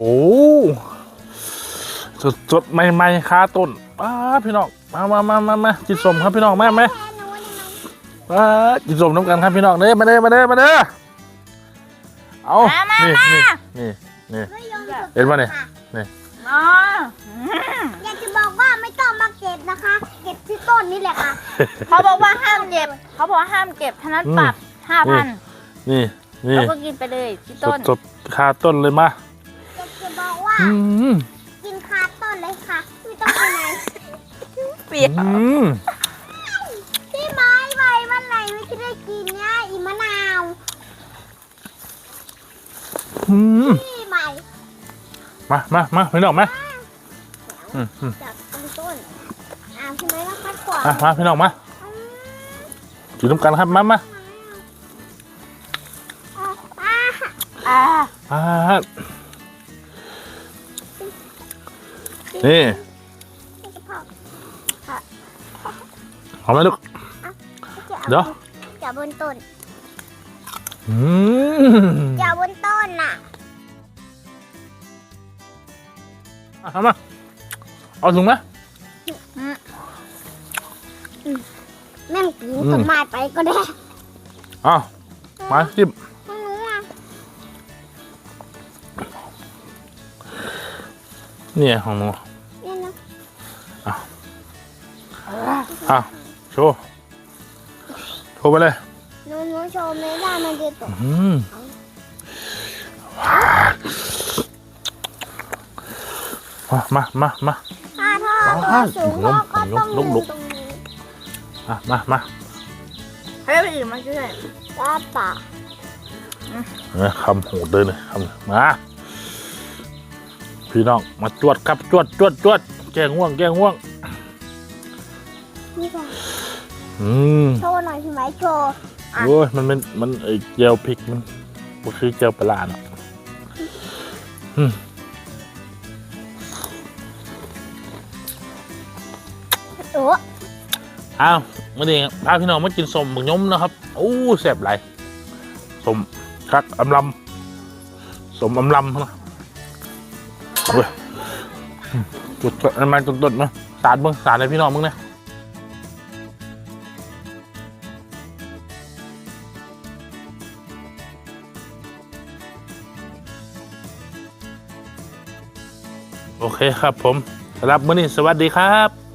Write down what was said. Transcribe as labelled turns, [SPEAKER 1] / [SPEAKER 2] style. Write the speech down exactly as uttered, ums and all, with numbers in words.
[SPEAKER 1] โอ้สดสดใหม่ๆคาต้นป้าพี่น้องมามามามามากินสมครับพี่น้องแม่ไหมป้ากินสมน้ำกันครับพี่น้องเด้มาเด้มาเด้มาเด้อเอานี่นี่นี่นี่เห็นป่ะเนี่ยนี่
[SPEAKER 2] อ๋อ
[SPEAKER 3] อยากจะบอกว่าไม่ต้องมาเก็บนะคะ เก็บที่ต้นนี่แหละค่ะ
[SPEAKER 2] เขาบอกว่าห้ามเก็บเขาบอกว่าห้ามเก็บท่านั้นปรับห้าพัน
[SPEAKER 1] นี่นี่
[SPEAKER 2] แล้วก็กินไปเลยที่
[SPEAKER 1] ส
[SPEAKER 2] ต้
[SPEAKER 1] ด
[SPEAKER 2] น
[SPEAKER 1] สดคาต้นเลยมา
[SPEAKER 3] อยากจะบอกว่า
[SPEAKER 1] อืม
[SPEAKER 3] กินคาต้นเลยค่ะไม่ต้องไปไหน
[SPEAKER 2] เปรี้ยว
[SPEAKER 1] อืม
[SPEAKER 3] พี่ไม้ใบมันไหนไม่ได้กินเนี่ยอีมะนาว
[SPEAKER 1] อืม
[SPEAKER 3] พี่ใบ
[SPEAKER 1] มามามาพี่น้องมาอืมอืม
[SPEAKER 3] จากต้นต้นอ้าวพี่ไม้ก็คัดก่อน
[SPEAKER 1] อ่ะมาพี่น้องมากินน้ำกันครับมามา
[SPEAKER 3] อ่า
[SPEAKER 2] อ่า
[SPEAKER 1] อ่านี่
[SPEAKER 3] พ่อ
[SPEAKER 1] เอาไหมลูก เดี๋ยว
[SPEAKER 3] จับบนต้น
[SPEAKER 1] อืม
[SPEAKER 3] จับบนต้นน่ะ
[SPEAKER 1] เอามาเอาถุงไหม
[SPEAKER 3] แม่งปีนต้นไม้ไปก็ได้
[SPEAKER 1] เอามาจิ้ม
[SPEAKER 3] ไม่รู้อ่ะ
[SPEAKER 1] เนี่ยของหนู
[SPEAKER 3] เนี่ยนะ
[SPEAKER 1] อ่ะโชว์โชว์ไปเลย
[SPEAKER 3] หนูหนูโชว์ไม่ได้มันจะตก
[SPEAKER 1] อืมมามามามา
[SPEAKER 3] ถ้าถ้าตัวสูงพ่อก็ต้อง
[SPEAKER 1] ลุกลุก
[SPEAKER 3] ตรงนี้
[SPEAKER 1] มามามา
[SPEAKER 2] ให้ไปอื่นมาช่วย
[SPEAKER 3] ป้าป่า
[SPEAKER 1] เนี่ยคำหูเดินเลยคำมาพี่น้องมาจวดครับจวดจวดจวดแกงง่วงแกงง่วง
[SPEAKER 3] นี่ก่อน
[SPEAKER 1] อืม
[SPEAKER 3] โชว์หน่อยพี่ไหมโชว์
[SPEAKER 1] โอ้ยมันเป็นมันไอเจลพริกมันมันคือเจลปลาเนาะอืม
[SPEAKER 3] โอ้
[SPEAKER 1] อ้าวมาดีพาพี่น้องมากินสมบักยมนะครับโอ้แซ่บหลายสมคักอำลำสมอำลำนะเว้ยจุดอันมาจุดๆมาสาดมึงสาดเลยพี่น้องมึงเนี่ยโอเคครับผมสำหรับมื้อนี้สวัสดีครับ